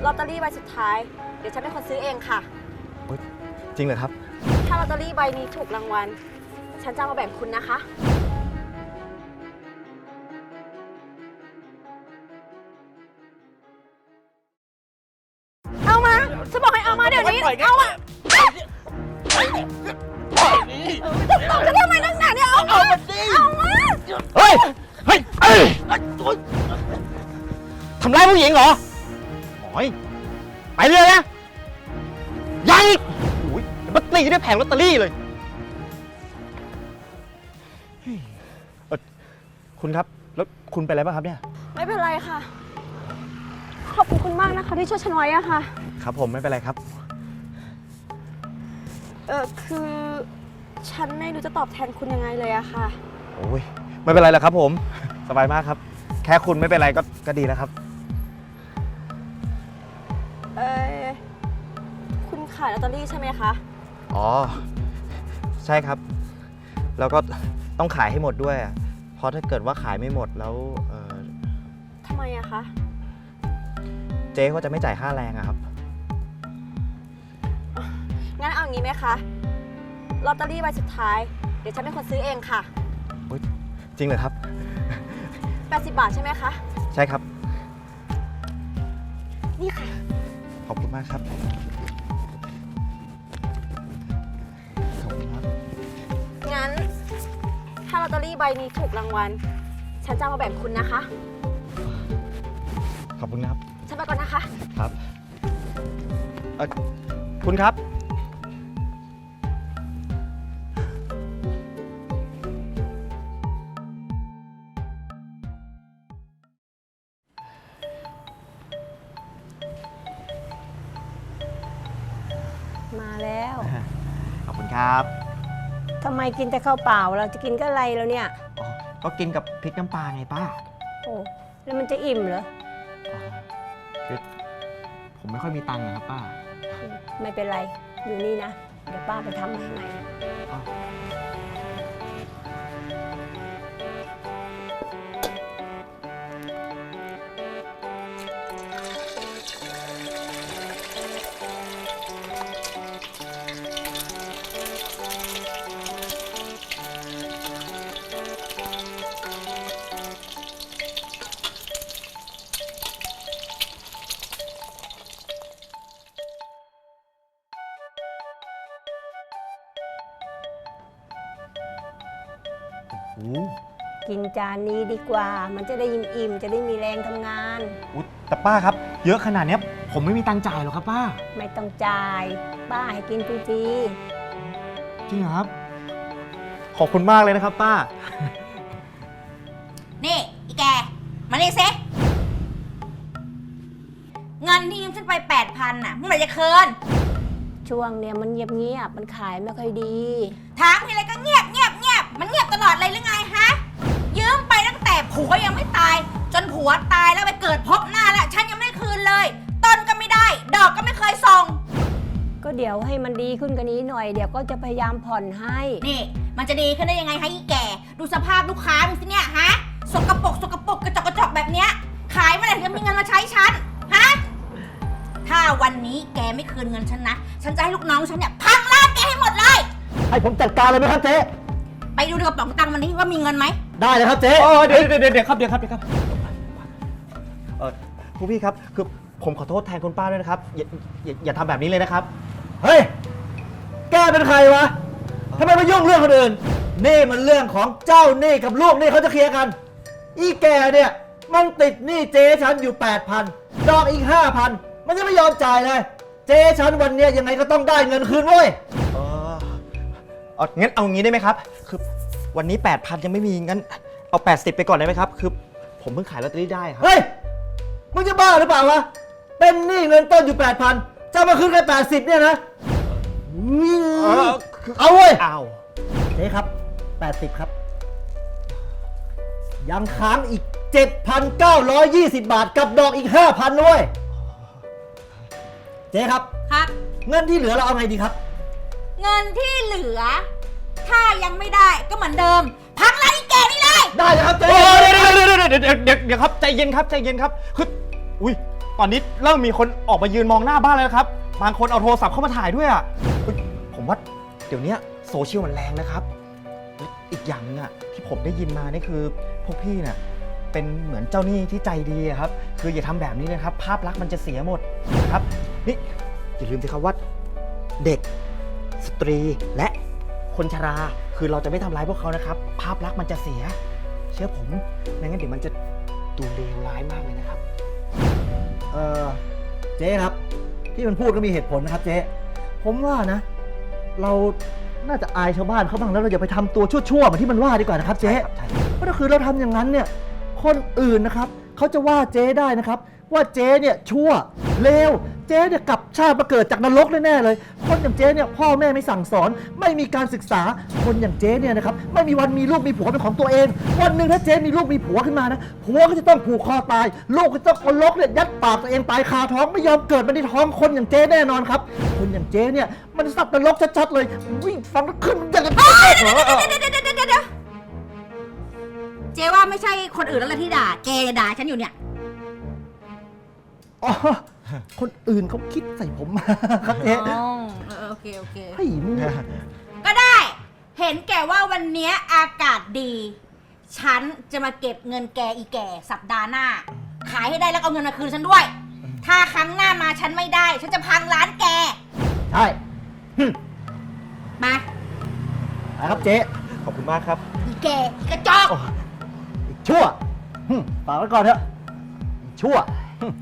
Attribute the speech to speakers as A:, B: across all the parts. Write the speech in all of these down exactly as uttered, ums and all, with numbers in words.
A: ลอตเตอรี่ใบสุดท้าย เดี๋ยวฉันเป็นคนซื้อเองค่ะ
B: จริงเหรอครับ
A: ถ้าลอตเตอรี่ใบนี้ถูกรางวัล ฉันจะเอามาแบ่งคุณนะคะ เอามา ฉันบอกให้เอามาเดี๋ยวนี้ เอามาตบฉันทำไมนักหนาเนี่ย เอามา เอามา
B: เฮ้ย เฮ้ยเอ้ยทำร้ายผู้หญิงเหรอโอ้ยไปเลยนะ ยังอีกโอ้ยมาตีด้วยแผงลอตเตอรี่เลยเอ่อคุณครับ แล้วคุณเป็นอะไรบ้างครับเนี่ย
A: ไม่เป็นไรค่ะ ขอบคุณคุณมากนะคะที่ช่วยฉันไว้อะค่ะ
B: ครับผมไม่เป็นไรครับ
A: เออคือฉันไม่รู้จะตอบแทนคุณยังไงเลยอะค่ะ
B: โอ้ยไม่เป็นไรหรอกครับผม สบายมากครับ แค่คุณไม่เป็นไรก็ก็ดีแล้วครับ
A: เออคุณขายลอตเตอรี่ใช่ไหมคะ
B: อ๋อ ใช่ครับ แล้วก็ต้องขายให้หมดด้วยอะเพราะถ้าเกิดว่าขายไม่หมดแล้วเอ่อ
A: ทำไมอะคะ
B: เจ๊เขาจะไม่จ่ายค่าแรงอะครับ
A: งั้นเอาอย่างนี้ไหมคะ ลอตเตอรี่ใบสุดท้าย เดี๋ยวฉันเป็นคนซื้อเองค่ะ
B: จริงเหรอครับ
A: แปดสิบบาทใช่ไหมคะ
B: ใช่ครับ
A: นี่ค่ะ
B: ขอบคุณมากครับ ขอบคุณครับ
A: งั้น ถ้าลอตเตอรี่ใบนี้ถูกรางวัล ฉันจะเอามาแบ่งคุณนะคะ
B: ขอบคุณครับ
A: ฉันไปก่อนนะคะ
B: ครับเอ่อคุณครับ
C: มาแล้ว
B: ขอบคุณครับ
C: ทำไมกินแต่ข้าวเปล่าเราจะกินก็อะไรแล้วเนี่ย
B: อ๋อ ก็กินกับพริกน้ำปลาไงป้า
C: โอ้แล้วมันจะอิ่มเหรอ
B: อ๋อคือผมไม่ค่อยมีตังค์นะครับป้า
C: ไม่เป็นไรอยู่นี่นะเดี๋ยวป้าไปทำมาให้ใหม่
B: อ๋อ โอ้
C: กินจานนี้ดีกว่า มันจะได้อิ่มๆจะได้มีแรงทำงาน
B: โหแต่ป้าครับ เยอะขนาดเนี้ยผมไม่มีตังค์จ่ายหรอกครับป้า
C: ไม่ต้องจ่ายป้าให้กินฟรี
B: จริงเหรอครับ ขอบคุณมากเลยนะครับป้า
D: นี่อีแก มานี่ซิเงินที่ยืมฉันไปแปดพันน่ะเมื่อไหร่จะคืน
C: ๆช่วงเนี้ยมันเงียบๆมันขายไม่ค่อยดี
D: ถามทีไรก็เงียบเงียบเงียบมันเงียบตลอดเลยหรือไงฮะ ยืมไปตั้งแต่ผัวยังไม่ตาย จนผัวตายแล้วไปเกิดพบหน้าแล้วฉันยังไม่คืนเลย ต้นก็ไม่ได้ ดอกก็ไม่เคยส่ง
C: ก็เดี๋ยวให้มันดีขึ้นกว่านี้หน่อยเดี๋ยวก็จะพยายามผ่อนให้
D: นี่ มันจะดีขึ้นได้ยังไงฮะอีแก ดูสภาพลูกค้ามึงสิเนี่ยฮะ สกปรกสกปรกกระจอกกระจอกแบบเนี้ย ขายเมื่อไหร่ถึงจะมีเงินมาใช้ฉัน ฮะ ถ้าวันนี้แกไม่คืนเงินฉันนะ ฉันจะให้ลูกน้องฉันเนี่ยพังร้านแกให้หมดเลย
B: ให้ผมจัดการเลยไหมครับเจ๊
D: ไปดูในกระเป๋าตังค์มันนี้ว่ามีเงินไหม
B: ได้เลยครับเจ๊เออเดี๋ยวเดี๋ยวเดี๋ยวครับเดี๋ยวครับเดี๋ยวครับ เออผู้พี่ครับ คือผมขอโทษแทนคุณป้าด้วยนะครับ อย่าอย่าอย่าทำแบบนี้เลยนะครับ
E: เฮ้ย แกเป็นใครวะ ทำไมมายุ่งเรื่องคนอื่น นี่มันเรื่องของเจ้าหนี้กับลูกหนี้เขาจะเคลียร์กัน อีแกเนี่ย มันติดหนี้เจ๊ฉันอยู่ แปดพัน ดอกอีก ห้าพัน มันยังไม่ยอมจ่ายเลย เจ๊ฉันวันเนี้ยยังไงก็ต้องได้เงินคืนเว้ย
B: เออเอางั้นเอางี้ได้ไหมครับ คือวันนี้ แปดพัน ยังไม่มี งั้นเอา แปดสิบ ไปก่อนได้ไหมครับ คือผมเพิ่งขายลอตเตอรี่ได้ครับ
E: เฮ้ย มึงจะบ้าหรือเปล่าวะ เป็นหนี้เงินต้นอยู่ แปดพัน จะมาคืนแค่แปดสิบเนี่ยนะ
B: เออคือ
E: เอาเว้ย
B: อ้าว
E: เจ๊ครับ แปดสิบ ครับ ยังค้างอีก เจ็ดพันเก้าร้อยยี่สิบ บาทกับดอกอีก ห้าพัน ด้วย เจ๊ครับ
D: ครับ
E: เงินที่เหลือเราเอาไงดีครับ
D: เงินที่เหลือ ถ้ายังไม่ได้ก็เหมือนเดิม พังร้านอีแกนี่เลย
E: ได้เลยครับเจ๊
B: โอ้เดี๋ยวเดี๋ยวเดี๋ยวเดี๋ยวเดี๋ยวเดี๋ยวเดี๋ยวครับใจเย็นครับใจเย็นครับ คือ อุ้ยตอนนี้เริ่มมีคนออกมายืนมองหน้าบ้านแล้วนะครับ บางคนเอาโทรศัพท์เข้ามาถ่ายด้วยอ่ะเฮ้ยผมว่าเดี๋ยวนี้โซเชียลมันแรงนะครับ อีกอย่างนึงอ่ะที่ผมได้ยินมานี่คือพวกพี่เนี่ยเป็นเหมือนเจ้าหนี้ที่ใจดีอะครับ คืออย่าทำแบบนี้เลยครับ ภาพลักษณ์มันจะเสียหมดนะครับ นี่อย่าลืมสิครับว่าเด็กสตรีและคนชราคือเราจะไม่ทำร้ายพวกเขานะครับ ภาพลักษณ์มันจะเสีย เชื่อผมไม่งั้นเดี๋ยวมันจะดูเลวร้ายมากเลยนะครับ
E: เออเจ๊ครับ ที่มันพูดก็มีเหตุผลนะครับเจ๊ผมว่านะ เราน่าจะอายชาวบ้านเขาบ้างแล้วเราอย่าไปทำตัวชั่วๆเหมือนที่มันว่าดีกว่านะครับเจ๊
B: ใช่ครับ
E: เพราะถ้าคือเราทำอย่างนั้นเนี่ยคนอื่นนะครับเขาจะว่าเจ๊ได้นะครับ ว่าเจ๊เนี่ยชั่วเลวเจ๊เนี่ยกลับชาติมาเกิดจากนรกแน่ๆเลย คนอย่างเจ๊เนี่ยพ่อแม่ไม่สั่งสอนไม่มีการศึกษาคนอย่างเจ๊เนี่ยนะครับไม่มีวันมีลูกมีผัวเป็นของตัวเอง วันหนึ่งถ้าเจ๊มีลูกมีผัวขึ้นมานะผัวก็จะต้องผูกคอตายลูกก็จะต้องเอาลกเนี่ยยัดปากตัวเองตายคาท้องไม่ยอมเกิดมาในท้องคนอย่างเจ๊แน่นอนครับคนอย่างเจ๊เนี่ยมันสัตว์นรกชัดๆเลยวิ่งฟังแล้วขึ้นอย่างกับ
D: เดี๋ยวเดี๋ยวเดี๋ยวเดี๋ยวเดี๋ยวเจ๊ว่าไม่ใช่คนอื่นแล้วล่ะที่ด่าแกด่าฉันอยู่เนี่ย
E: อ๋อคนอื่นเขาคิดใส่ผมมาครับเจ๊
D: อ๋อเออโอเคโอเค
E: เฮ้ยมึง
D: ก็ได้ เห็นแก่ว่าวันเนี้ยอากาศดี ฉันจะมาเก็บเงินแกอีแก่สัปดาห์หน้า ขายให้ได้แล้วเอาเงินมาคืนฉันด้วย ถ้าครั้งหน้ามาฉันไม่ได้ ฉันจะพังร้านแก
E: ใช่หึ
D: มา
E: ไปครับเจ๊
B: ขอบคุณมากครับ
D: อีแกอีกระจอก
E: อีกชั่วหึฝากไว้ก่อนเถอะอีกชั่วหึ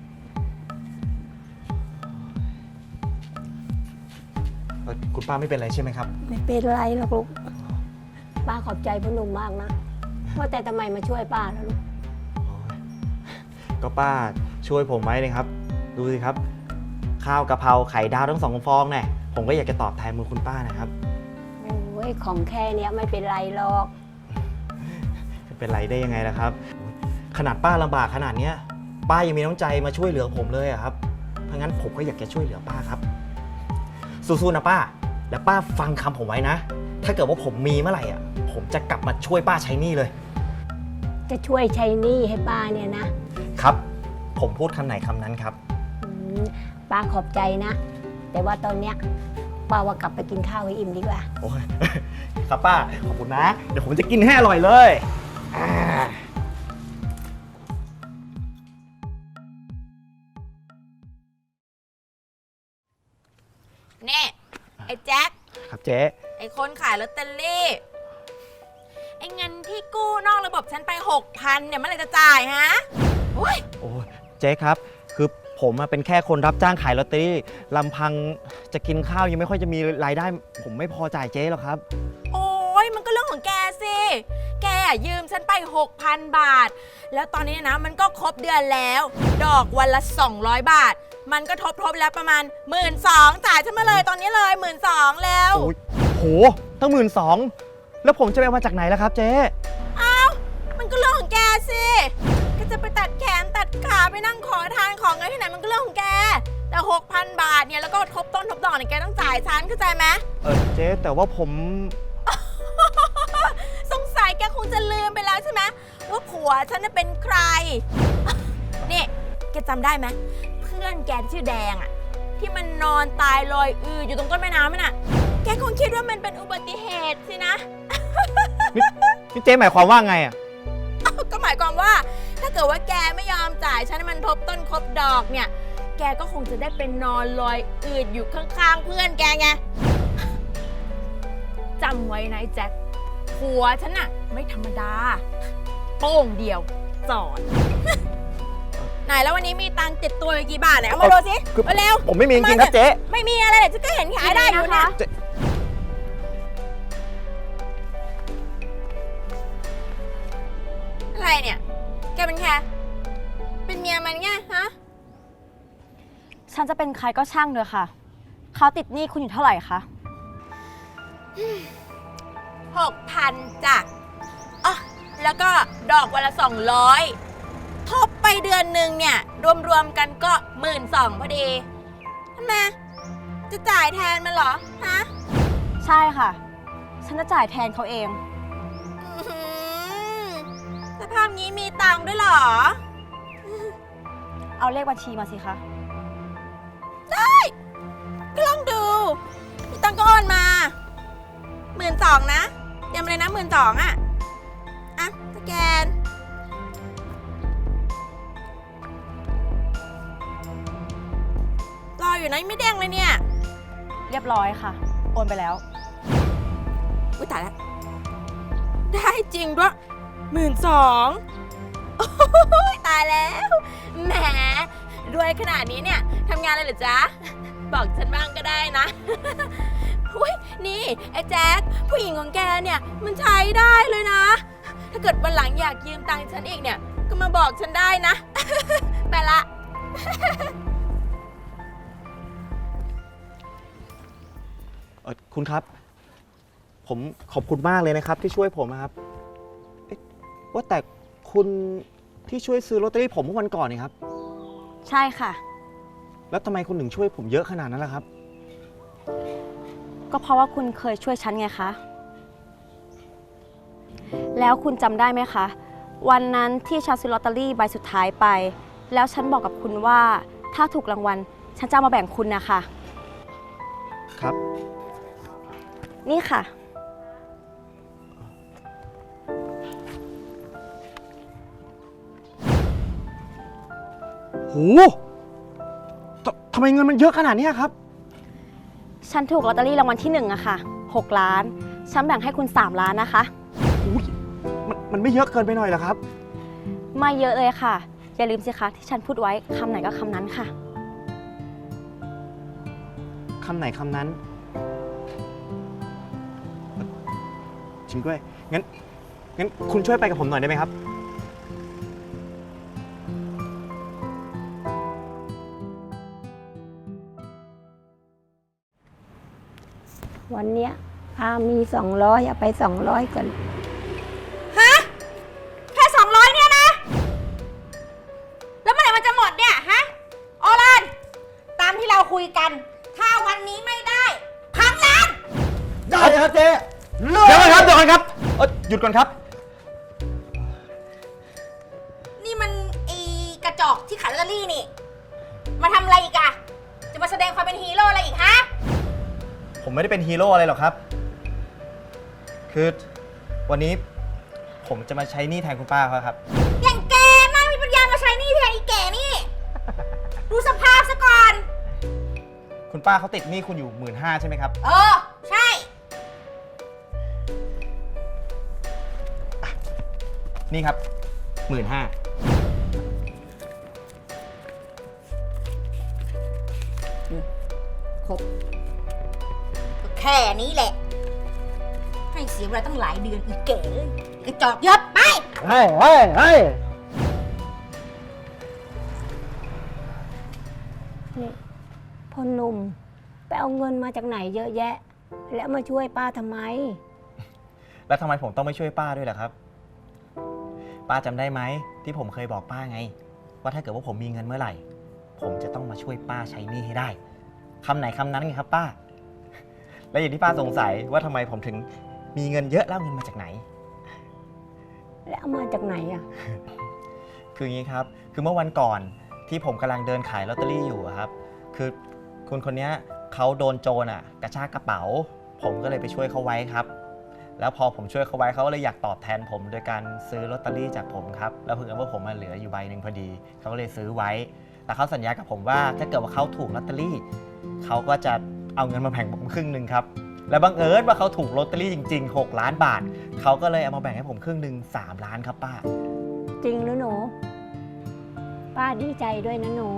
B: เอ่อคุณป้าไม่เป็นไรใช่ไหมครับ
C: ไม่เป็นไรหรอกลูก ป้าขอบใจพ่อหนุ่มมากนะ ว่าแต่ทำไมมาช่วยป้าแล้วลูก
B: ก็ป้าช่วยผมไว้เลยครับ ดูสิครับ ข้าวกะเพราไข่ดาวทั้งสองฟองเนี่ยผมก็อยากจะตอบแทนมือคุณป้านะครับ
C: โอ้ยของแค่เนี้ยไม่เป็นไรหรอก
B: จะเป็นไรได้ยังไงล่ะครับ ขนาดป้าลำบากขนาดเนี้ยป้ายังมีน้ำใจมาช่วยเหลือผมเลยอะครับเพราะงั้นผมก็อยากจะช่วยเหลือป้าครับสู้ๆนะป้าแล้วป้าฟังคำผมไว้นะ ถ้าเกิดว่าผมมีเมื่อไหร่อ่ะผมจะกลับมาช่วยป้าใช้หนี้เลย
C: จะช่วยใช้หนี้ให้ป้าเนี่ยนะ
B: ครับ ผมพูดคำไหนคำนั้นครับ
C: อืมป้าขอบใจนะ แต่ว่าตอนเนี้ยป้าว่ากลับไปกินข้าวให้อิ่มดีกว่า
B: โอ้ย ครับป้าขอบคุณนะ เดี๋ยวผมจะกินให้อร่อยเลยอ่า
F: นี่ไอ้แจ็ค
B: ครับเจ๊
F: ไอ้คนขายลอตเตอรี่ไอ้เงินที่กู้นอกระบบฉันไปหกพันเนี่ยเมื่อไหรจะจ่ายฮะโอ้ย
B: โอ้ยเจ๊ครับ คือผมอะเป็นแค่คนรับจ้างขายลอตเตอรี่ลำพังจะกินข้าวยังไม่ค่อยจะมีรายได้ ผมไม่พอจ่ายเจ๊หรอกครับ
F: โอ้ยมันก็เรื่องของแกสิแกอะยืมฉันไป หกพัน บาท แล้วตอนนี้นะมันก็ครบเดือนแล้ว ดอกวันละสองร้อยบาท มันก็ทบทบแล้วประมาณ หมื่นสอง จ่ายฉันมาเลยตอนนี้เลย หมื่นสอง แล้ว
B: โอ้ยโหตั้งหมื่นสองแล้วผมจะไปเอามาจากไหนล่ะครับเจ๊
F: อ้าวมันก็เรื่องของแกสิแกจะไปตัดแขนตัดขาไปนั่งขอทานของเงินที่ไหนมันก็เรื่องของแก แต่ หกพัน บาทเนี่ยแล้วก็ทบต้นทบดอกเนี่ยแกต้องจ่ายฉันเข้าใจไหม
B: เออเจ๊แต่ว่าผม
F: สงสัยแกคงจะลืมไปแล้วใช่ไหมว่าผัวฉันน่ะเป็นใคร นี่แกจำได้ไหมเพื่อนแกที่ชื่อแดงอะที่มันนอนตายลอยอืออยู่ตรงต้นแม่น้ำนั่นน่ะแกคงคิดว่ามันเป็นอุบัติเหตุสินะ
B: นี่นี่เจ๊หมายความว่าไงอ่ะ
F: ก็หมายความว่าถ้าเกิดว่าแกไม่ยอมจ่ายฉันให้มันทบต้นครบดอกเนี่ย แกก็คงจะได้เป็นนอนลอยอืดอยู่ข้างๆเพื่อนแกไงจำไว้นะไอ้แจ็คผัวฉันน่ะไม่ธรรมดา โป้งเดียวจอด ไหนแล้ววันนี้มีตังค์ติดตัวไปกี่บาทไหนเอามาดูสิ
B: คือ
F: มาเร็ว
B: ผมไม่มีจริงๆครับเจ๊
F: ไม่มีอะไรเดี๋ยวฉันก็เห็นขายได้อยู่เนี่ย
B: เจ๊
F: อะไรเนี่ย แกเป็นแค่เป็นเมียมันไงฮะ
A: ฉันจะเป็นใครก็ช่างเถอะค่ะ เขาติดหนี้คุณอยู่เท่าไหร่คะ
F: หกพันจ้ะอ๋อแล้วก็ดอกวันละสองร้อยทบไปเดือนหนึ่งเนี่ย รวมๆกันก็หมื่นสองพอดีทำไมจะจ่ายแทนมันเหรอ ฮะ
A: ใช่ค่ะ ฉันจะจ่ายแทนเขาเอง
F: อื้อหือสภาพนี้มีตังค์ด้วยเหรอ
A: เอาเลขบัญชีมาสิคะ
F: ก็ลองดูพี่ตังก็โอนมาหมื่นสองนะเตรียมเลยนะหมื่นสองอ่ะ อ่ะสแกน รออยู่นะยังไม่เด้งเลยเนี่ย
A: เรียบร้อยค่ะ โอนไปแล้ว
F: อุ้ยตายแล้ว ได้จริงด้วยหมื่นสองตายแล้ว แหมรวยขนาดนี้เนี่ยทำงานอะไรเหรอจ๊ะ บอกฉันบ้างก็ได้นะ อุ้ยนี่ไอ้แจ๊คผู้หญิงของแกเนี่ย มันใช้ได้เลยนะ ถ้าเกิดวันหลังอยากยืมตังค์ฉันอีกเนี่ย ก็มาบอกฉันได้นะ ไปละ
B: เอ่อคุณครับ ผมขอบคุณมากเลยนะครับ ที่ช่วยผมนะครับเอ๊ะว่าแต่คุณที่ช่วยซื้อลอตเตอรี่ผมเมื่อวันก่อนนี่ครับ
A: ใช่ค่ะ
B: แล้วทำไมคุณถึงช่วยผมเยอะขนาดนั้นล่ะครับ
A: ก็เพราะว่าคุณเคยช่วยฉันไงคะ แล้วคุณจำได้ไหมคะ วันนั้นที่ฉันซื้อลอตเตอรี่ใบสุดท้ายไป แล้วฉันบอกกับคุณว่าถ้าถูกรางวัลฉันจะเอามาแบ่งคุณนะคะ
B: ครับ
A: นี่ค่ะ
B: โหททำไมเงินมันเยอะขนาดนี้ครับ
A: ฉันถูกลอตเตอรี่รางวัลที่หนึ่งอะค่ะหกล้าน ฉันแบ่งให้คุณสามล้านนะคะ
B: อุ๊ยมันมันไม่เยอะเกินไปหน่อยเหรอครับ
A: ไม่เยอะเลยค่ะ อย่าลืมสิคะที่ฉันพูดไว้คำไหนก็คำนั้นค่ะ
B: คำไหนคำนั้น จริงด้วย งั้น งั้นคุณช่วยไปกับผมหน่อยได้ไหมครับ
C: วันเนี้ยอามีสองร้อยเอาไปสองร้อยก่อน
D: ฮะ แค่สองร้อยเนี่ยนะ แล้วเมื่อไหร่มันจะหมดเนี่ย ฮะ ออรัน ตามที่เราคุยกัน ถ้าวันนี้ไม่ได้พังร้าน
E: ได้ครับเจ๊เลิก
B: เดี๋ยวก่อนครับเดี๋ยวก่อนครับเอ่อหยุดก่อนครับ
D: นี่มันไอีกระจอกที่ขายลอตเตอรี่นี่ มาทำอะไรอีกอะจะมาแสดงความเป็นฮีโร่อะไรอีกฮะ
B: ผมไม่ได้เป็นฮีโร่อะไรหรอกครับ คือวันนี้ผมจะมาใช้หนี้แทนคุณป้าเขาครับ
D: อย่างแกน่ามีปัญญามาใช้หนี่แทนอีแก่นี่ ดูสภาพซะก่อน
B: คุณป้าเขาติดหนี้คุณอยู่หมื่นห้าใช่ไหมครับ
D: เออ ใช่
B: นี่ครับหมื่นห้า
D: ครบก็แค่นี้แหละ ให้เสียเวลาตั้งหลายเดือนอีกเก๋เลยกระจอกเยอะไป
E: เฮ้ยเฮ้ยเฮ้ย
C: นี่พ่อหนุ่มไปเอาเงินมาจากไหนเยอะแยะ แล้วมาช่วยป้าทำไม
B: แล้วทำไมผมต้องไม่ช่วยป้าด้วยล่ะครับ ป้าจำได้ไหมที่ผมเคยบอกป้าไง ว่าถ้าเกิดว่าผมมีเงินเมื่อไหร่ ผมจะต้องมาช่วยป้าใช้หนี้ให้ได้คำไหนคำนั้นไงครับป้า และอย่างที่ป้าสงสัยว่าทำไมผมถึงมีเงินเยอะแล้วเงินมาจากไหน
C: แล้วเอามาจากไหนอ่ะ
B: คืออย่างนี้ครับ คือเมื่อวันก่อนที่ผมกำลังเดินขายลอตเตอรี่อยู่อะครับ คือคุณคนนี้เขาโดนโจรอ่ะกระชากกระเป๋า ผมก็เลยไปช่วยเขาไว้ครับ แล้วพอผมช่วยเขาไว้เขาก็เลยอยากตอบแทนผมโดยการซื้อลอตเตอรี่จากผมครับ แล้วเพิ่งว่าผมมาเหลืออยู่ใบหนึ่งพอดี เขาก็เลยซื้อไว้ แต่เขาสัญญากับผมว่าถ้าเกิดว่าเขาถูกลอตเตอรี่เขาก็จะเอาเงินมาแบ่งผมครึ่งหนึ่งครับ และบังเอิญว่าเขาถูกลอตเตอรี่จริงๆหกล้านบาท เขาก็เลยเอามาแบ่งให้ผมครึ่งหนึ่งสามล้านครับป้า
C: จริงหรือหนู ป้าดีใจด้วยนะหนู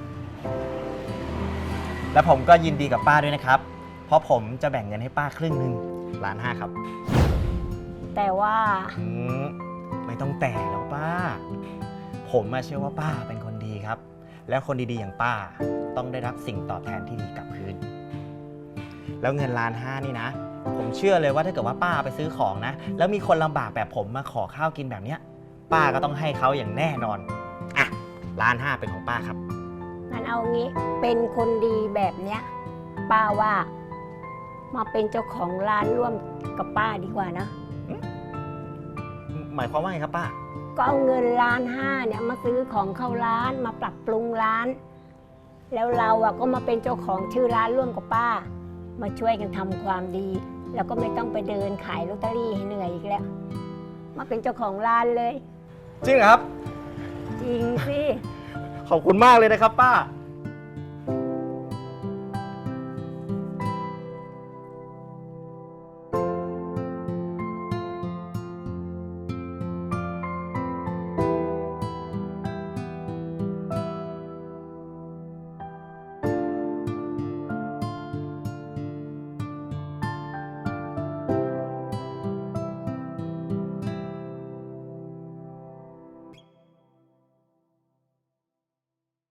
B: และผมก็ยินดีกับป้าด้วยนะครับ เพราะผมจะแบ่งเงินให้ป้าครึ่งหนึ่งล้านห้าครับ
C: แต่ว่า
B: อืมไม่ต้องแต่แล้วป้า ผมมาเชื่อว่าป้าเป็นคนดีครับ แล้วคนดีๆอย่างป้าต้องได้รับสิ่งตอบแทนที่ดีกลับคืน แล้วเงินล้านห้านี่นะ ผมเชื่อเลยว่าถ้าเกิดว่าป้าไปซื้อของนะ แล้วมีคนลำบากแบบผมมาขอข้าวกินแบบเนี้ย ป้าก็ต้องให้เขาอย่างแน่นอน อ่ะล้านห้าเป็นของป้าครับ
C: งั้นเอางี้ เป็นคนดีแบบเนี้ย ป้าว่า มาเป็นเจ้าของร้านร่วมกับป้าดีกว่านะ
B: หมายความว่าไงครับป้า
C: ก็เอาเงินล้านห้าเนี่ยมาซื้อของเข้าร้านมาปรับปรุงร้าน แล้วเราอะก็มาเป็นเจ้าของชื่อร้านร่วมกับป้า มาช่วยกันทำความดี แล้วก็ไม่ต้องไปเดินขายลอตเตอรี่ให้เหนื่อยอีกแล้ว มาเป็นเจ้าของร้านเลย
B: จริงเหรอครับ
C: จริงสิ
B: ขอบคุณมากเลยนะครับป้า